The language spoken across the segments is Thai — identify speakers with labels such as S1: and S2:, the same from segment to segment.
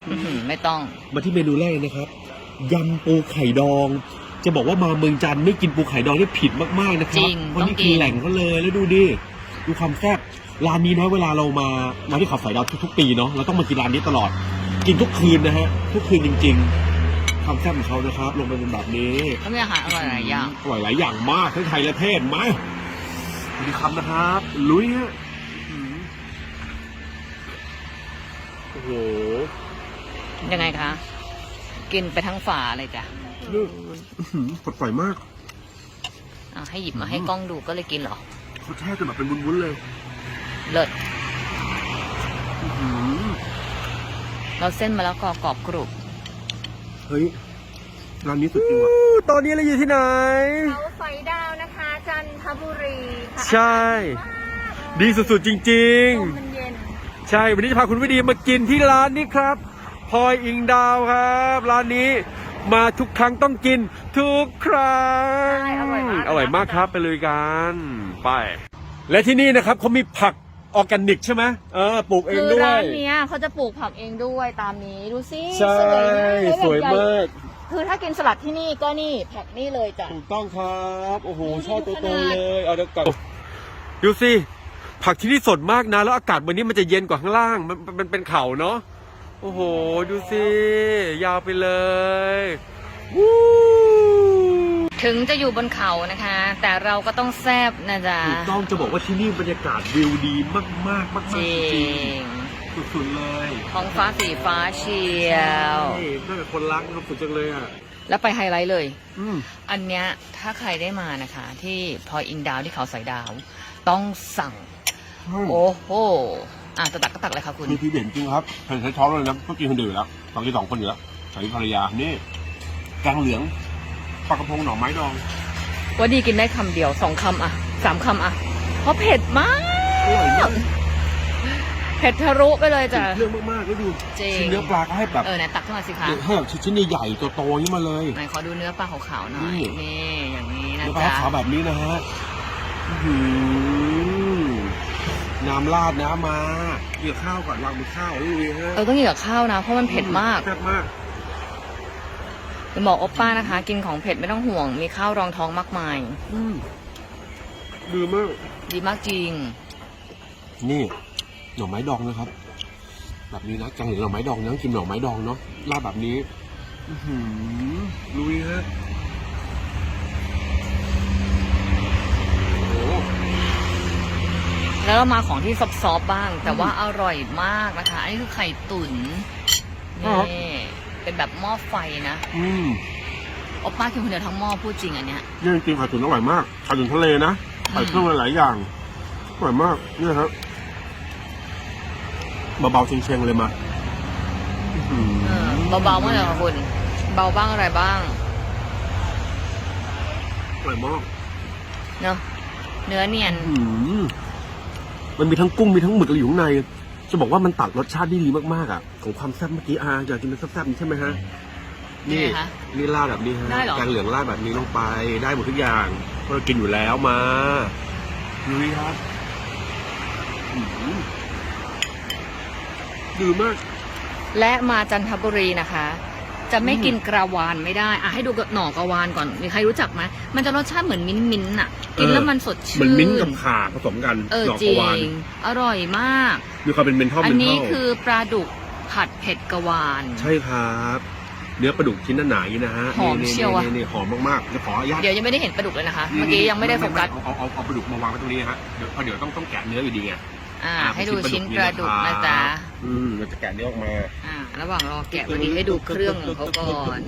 S1: ไม่ต้อง
S2: มาที่เมนูแรกนะครับยำปูไข่ดอง จะบอกว่ามาเมืองจันทร์ไม่กินปูไข่ดองนี่ผิดมากๆนะครับเพราะนี่คือแหล่งเขาเลยแล้วดูดิดูความแซ่บร้านนี้นะเวลาเรามาที่เขาสอยดาวทุกๆปีเนาะเราต้องมากินร้านนี้ตลอดกินทุกคืนนะฮะทุกคืนจริงๆความแซ่บของเขานะครับลงไปเป็นแบบนี้
S1: เขามีอาหารอร่อยหลายอย่าง
S2: อร่อยหลายอย่างมากทั้งไทยและเทศมาดีคำนะครับลุยฮะโอ้โห
S1: ยังไงคะกินไปทั้งฝาเลยจ้ะ
S2: สดใสมาก
S1: ให้หยิบมาให้กล้องดูก็เลยกินเหรอ
S2: เขาแช่จนแบบเป็นวุ้นๆเลย
S1: เลิศเราเส้นมาแล้วก็กรอบกรุบ
S2: เฮ้ยร้านนี้สุดจริงว่ะตอนนี้เราอยู่ที่ไหน
S3: เขาสอยดาวนะคะจันทบุรีค่ะ
S2: ใช่ดีสุดๆจริงๆใช่วันนี้จะพาคุณวิดีมากินที่ร้านนี้ครับพลอยอิงดาวครับร้านนี้มาทุกครั้งต้องกินทุกครั้งอร่อยมากครับไปเลยกันไปและที่นี่นะครับเขามีผักออร์แกนิกใช่ไหมปลูกเองด้วย
S1: คือร้านนี้เขาจะปลูกผักเองด้วยตามนี้ดูสิ
S2: ใช่สวยมาก
S1: คือถ้ากินสลัดที่นี่ก็นี่ผักนี่เลยจ้ะ
S2: ถูกต้องครับโอ้โหชอบโตๆเลยเอาเดี๋ยวก่อนดูสิผักที่นี่สดมากนะแล้วอากาศวันนี้มันจะเย็นกว่าข้างล่างมันเป็นเขาเนาะโอ้โหดูสิยาวไปเลย
S1: ถึงจะอยู่บนเขานะคะแต่เราก็ต้องแซ่บนะจ๊ะ
S2: ถูกต้องจะบอกว่าที่นี่บรรยากาศวิวดีมากๆ
S1: จริง
S2: สุดๆเลย
S1: ท้องฟ้าสีฟ้าเชียว
S2: น่าจะคนรักสุดจังเลยอ่ะ
S1: แล้วไปไฮไลท์เลยอันเนี้ยถ้าใครได้มานะคะที่พลอยอิงดาวที่เขาสอยดาวต้องสั่งโอ้โหจะตักก็ตักเลยค่ะคุณ
S2: มีที่เด่นจริงครับใช้ช้อนเลยนะก็กินคนเดียวแล้วตอนที่2 คนอยู่แล้วใส่ภรรยานี่แกงเหลืองปลากระพงหน่อไม้ดอง
S1: ว่าดีกินได้คำเดียว2 คำ3 คำเพราะเผ็ดมากเผ็ดทะลุไปเลยจ้ะ
S2: เรื่องมากๆก็ดูชิ้นเนื้อปลาก็ให้แบบ
S1: ไหนตักขึ้นมาสิคะ
S2: ให้แบบชิ้นใหญ่ๆโตๆนี้มาเลย
S1: ไหนขอดูเนื้อปลาขาวๆหน่อยนี่อย่างนี้นะจ๊ะ
S2: เนื้อปลาขาวแบบนี้นะฮะน้ำราดน้ำมาเกี่ยวข้าวก่อนวางบนข้าวเลยฮะ
S1: ต้องกินกับข้าวนะเพราะมันเผ็ดมาก
S2: แซ่บมาก
S1: จะบอกโอป้านะคะกินของเผ็ดไม่ต้องห่วงมีข้าวรองท้องมากมาย
S2: ดีมาก
S1: ดีมากจริง
S2: นี่หน่อไม้ดองนะครับแบบนี้นะแกงเหลืองหน่อไม้ดองนะกินหน่อไม้ดองเนาะราดแบบนี้ลุยฮะ
S1: แล้วเรามาของที่ซอฟๆบ้างแต่ว่าอร่อยมากนะคะอันนี้คือไข่ตุ๋นนี่เป็นแบบหม้อไฟนะโอป้ากินคนเดียวทั้งหม้อพูดจริงอันเนี้ย
S2: นี่จริงไข่ตุ๋นอร่อยมากไข่ตุ๋นทะเลนะใส่เครื่องหลายอย่างอร่อยมากนี่ครับเบาๆเชียงๆเลยมา
S1: เบาๆมากเลยค่ะคุณเบาบ้างอะไรบ้าง
S2: อร่อยมาก
S1: เนาะเนื้อเนียน
S2: มันมีทั้งกุ้งมีทั้งหมึกอะไรอยู่ข้างในจะบอกว่ามันตัดรสชาติได้ดีมากๆอ่ะของความแซ่บเมื่อกี้อยากกินเป็นแซ่บๆนี่ใช่ไหมฮะนี่ราดแบบนี้ฮะแกงเหลืองราดแบบนี้ลงไปได้หมดทุกอย่างเพราะเรากินอยู่แล้วมาดูดิครับดีมาก
S1: และมาจันทบุรีนะคะจะไม่กินกระวานไม่ได้ให้ดูหน่อกระวานก่อนมีใครรู้จักไหมมันจะรสชาติเหมือนมิ้นท์อ่ะกินแล้วมันสดชื่น
S2: เหมือนมิ้นท์กับข่าผสมกันหน่อกระวาน
S1: อร่อยมาก
S2: มีความเป็นเมนทอล
S1: อันนี้คือปลาดุกผัดเผ็ดกระวาน
S2: ใช่ครับเนื้อปลาดุกชิ้นหนาๆนะฮะ
S1: หอมเชียว
S2: นี่หอมมากๆจะขออนุญาต
S1: เดี๋ยวยังไม่ได้เห็นปลาดุกเลยนะคะเมื่อกี้ยังไม่ได้โฟกัส
S2: เอาปลาดุกมาวางไว้ตรงนี้ฮะเดี๋ยวต้องแกะเนื้ออยู่ดีไง
S1: ให้ดูชิ้นปลาดุกนะจ๊ะ
S2: เราจะแกะเนื้อออกมา
S1: ระหว่างรอแกะวันนี้ให้ดูเครื่องของเขาก่อน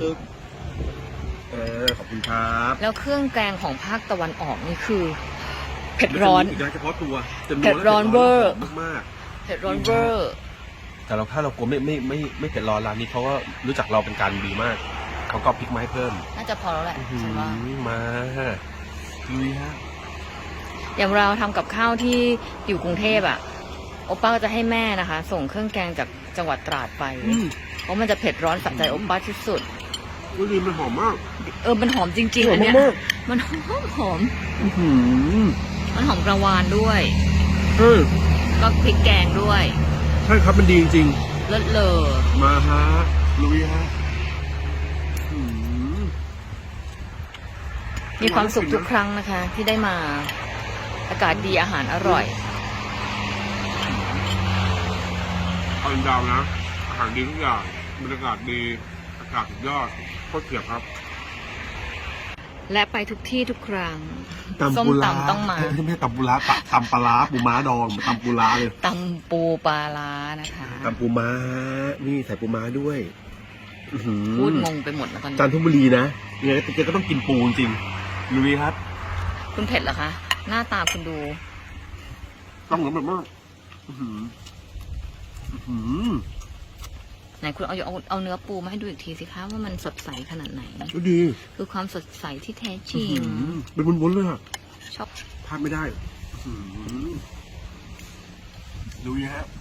S2: ขอบคุณครับ
S1: แล้วเครื่องแกงของภาคตะวันออกนี่คือเผ็ดร้อน
S2: เฉพาะตัว
S1: เผ็ดร้อนเวอร์
S2: มาก
S1: เผ็ดร้อนเวอร์
S2: แต่ถ้าเรากลัวไม่เผ็ดร้อนร้านนี้เขาก็รู้จักเราเป็นการดีมากเขาก็พริกมาให้เพิ่ม
S1: น่าจะพอแล้วแหละฉันว่า
S2: มาลุยฮะ
S1: อย่างเราทำกับข้าวที่อยู่กรุงเทพโอป้าก็จะให้แม่นะคะส่งเครื่องแกงจากจังหวัดตราดไปเพราะมันจะเผ็ดร้อนสะใจโอป้าที่สุด
S2: ดีมันหอมมาก
S1: มันหอมจริงๆอันเนี้ยมันหอมมันหอมกระวานด้วยก็พริกแกงด้วย
S2: ใช่ครับมันดีจริง
S1: เลิศเลอ
S2: มาฮะลุยฮะ
S1: มีความสุขทุกครั้งนะคะ ที่ได้มาอากาศดีอาหารอร่อย
S2: เอาดาวนะอาหารดีทุกอย่างบรรยากาศดีอากาศสุดยอดโคตรเฉียบครับ
S1: และไปทุกที่ทุกครั้ง
S2: ตำ
S1: ส้ม
S2: ปูร้า
S1: ตำต้องมา
S2: ไม่ใช่ตำปูร้าตำปลาร้าปูม้าดองตำปูร้าเลย
S1: ตำปูปลาร้านะคะ
S2: ตำปูม้านี่ใส่ปูม้าด้วยอื้อหือ
S1: พูดงงไปหมดแล้วตอน
S2: จัน
S1: นี้
S2: ทบุรีนะยังไงแกก็ต้องกินปูจริงๆลุยครับ
S1: คุณเผ็ดเหรอคะ หน้าตาคุณดู
S2: ต้องเหมือนแบบว่าอื้อหืออื้อหือ
S1: ไหนคุณเอาเนื้อปูมาให้ดูอีกทีสิคะว่ามันสดใสขนาดไหน
S2: ก็ดี
S1: คือความสดใสที่แท้จ
S2: อื้
S1: ริ
S2: อง หือเป็นวุ้นๆเลยอะ
S1: ชอบ
S2: พลาดไม่ได้อื้อหือลุยฮะ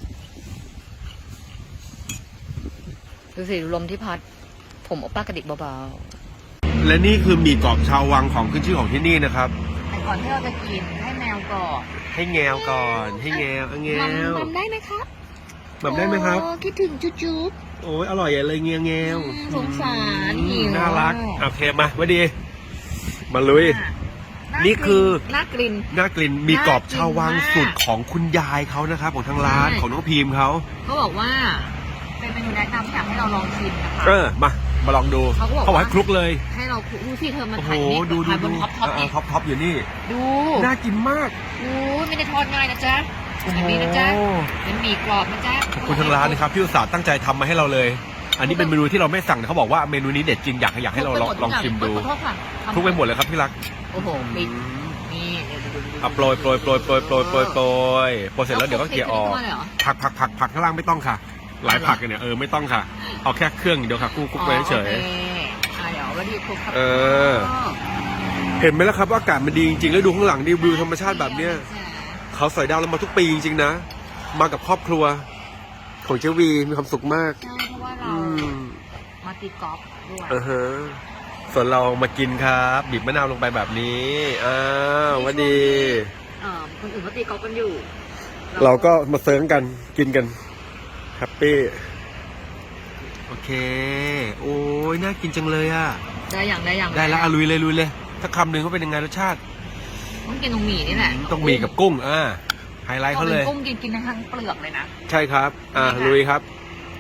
S1: ดูสิลมที่พัด ผมโอป้ากระดิกเบา
S2: และนี่คือหมี่กรอบชาววังของขึ้นชื่อของที่นี่นะครับ
S1: ๆแต่ก่อนที่เราจะกินให้แมวก่อน
S2: ให้แงวก่อน ให้แงวเอาแงว
S1: มัมได้ไหมครับ
S2: แบบได้ไหมครับ
S1: โอ้คิดถึงจุ๊บ
S2: โอ้ยอร่อยเลยเงียแงว
S1: สงสารหิว
S2: น่ารักโอเคมาไว้ดี มาลุย นี่คือ
S1: น่ากลิ่น
S2: น่ากลิ่นมีกรอบชาววัง
S1: น่ากินมาก
S2: สูตรของคุณยายเขานะครับของทางร้าน
S1: ใช่
S2: ของน้องพีมเขา
S1: เขาบอกว่า เป็นเมนูแนะนำอยากให้เราลองชิมนะคะ
S2: มาลองดู
S1: เขาก็บอก
S2: เขาบอก
S1: ว่า
S2: ให้คลุกเลย
S1: ให้เราดูสิเธอมัน
S2: โอ้โห
S1: ถ่ายนี่
S2: ดู
S1: ถ่ายบนท็อปนี่
S2: ท็อปอยู่นี่
S1: ดู
S2: น่ากินมาก
S1: อู้ไม่ได้ทอดง่ายนะจ๊ะแบบนี้นะจ๊ะเป็นหมี่กรอบนะจ๊ะ
S2: ขอบคุณทางร้านนะครับที่อุตส่าห์ตั้งใจทำมาให้เราเลย อันนี้เป็นเมนูที่เราไม่สั่งแต่เขาบอกว่าเมนูนี้เด็ดจริงอยากให้เราลองชิมดู
S1: ขอโทษค่ะ
S2: คลุกไปหมดเลยครับที่รัก
S1: โอ้โหมีนี่
S2: โปรยโปรยเสร็จแล้วเดี๋ยวก็เกลี่ยออกผักข้างล่างไม่ต้องค่ะ หลายผักกันเนี่ยไม่ต้องค่ะเอาแค่เครื่องเดี๋ยวค่ะคลุกไปเฉย
S1: เดี๋ยววันนี้คลุกครับ
S2: เห็นไหมล่ะครับว่าอากาศมันดีจริงๆแล้วดูข้างหลังดิวิวธรรมชาติแบบเนี้ยเขาสอยดาวเรามาทุกปีจริงๆนะมากับครอบครัวของเจวีมีความสุขมาก
S1: ใช่เพราะว่าเรามาตีกอล์ฟด้วย
S2: ส่วนเรามากินครับบีบมะนาวลงไปแบบนี้วันดี
S1: คนอื่นเขาตีกอล์ฟกันอยู่
S2: เราก็มาเซิร์งกันกินกันแฮปปี้โอเคโอ้ยน่ากินจังเลยอ่ะ
S1: ได้อย่าง
S2: ได้แล้วลุยเลยถ้าคำหนึ่งเขาเป็นยังไงรสชาติ
S1: ต้องกินตรงหมี่นี่แหละ
S2: ต้องมีกับกุ้งไฮไลท์เขาเลย
S1: กุ้งกินทั้งเปลือกเลยนะ
S2: ใช่ครับลุยครับ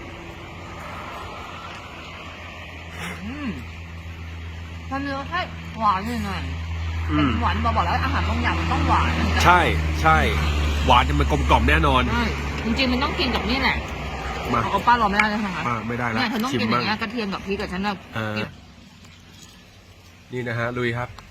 S1: มันเนื้อแค่หวานหน่อยเป็นหวานบอกแล้วอาหารบางอย่างมันต้องหวาน
S2: ใช่หวานจะมันกลมกล่อมแน่นอน
S1: จริงๆมันต้องกินกับนี่แหละ
S2: มา
S1: เอาป้ารอไม่ได้เลยนะคะ
S2: ไม่ได้แล้ว
S1: เนี่ยเธอต้อง
S2: ชิม
S1: กินอ
S2: บ้าง
S1: ย่างเงี้ยกระเทียมกับพริกกับฉันแบบ
S2: นี่นะฮะลุยครับ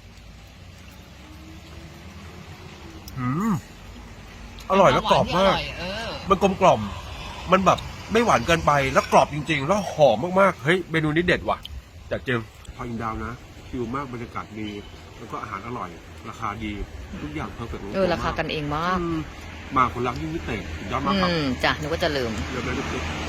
S2: อร่อยแล้วกรอบมากมันกลมกล่อมมันแบบไม่หวานเกินไปแล้วกรอบจริงๆแล้วหอมมากๆเฮ้ยเมนูนี้เด็ดว่ะจากเจมพออินดาวนะคิวมากบรรยากาศดีแล้วก็อาหารอร่อยราคาดีทุกอย่างเพอร์เฟกต์
S1: ราคากันเองมาก
S2: มาคนรักยิ่งพิเศษยอดมากครับ
S1: จ้ะนึกว่าจะลืม
S2: เดี๋ยวไปดู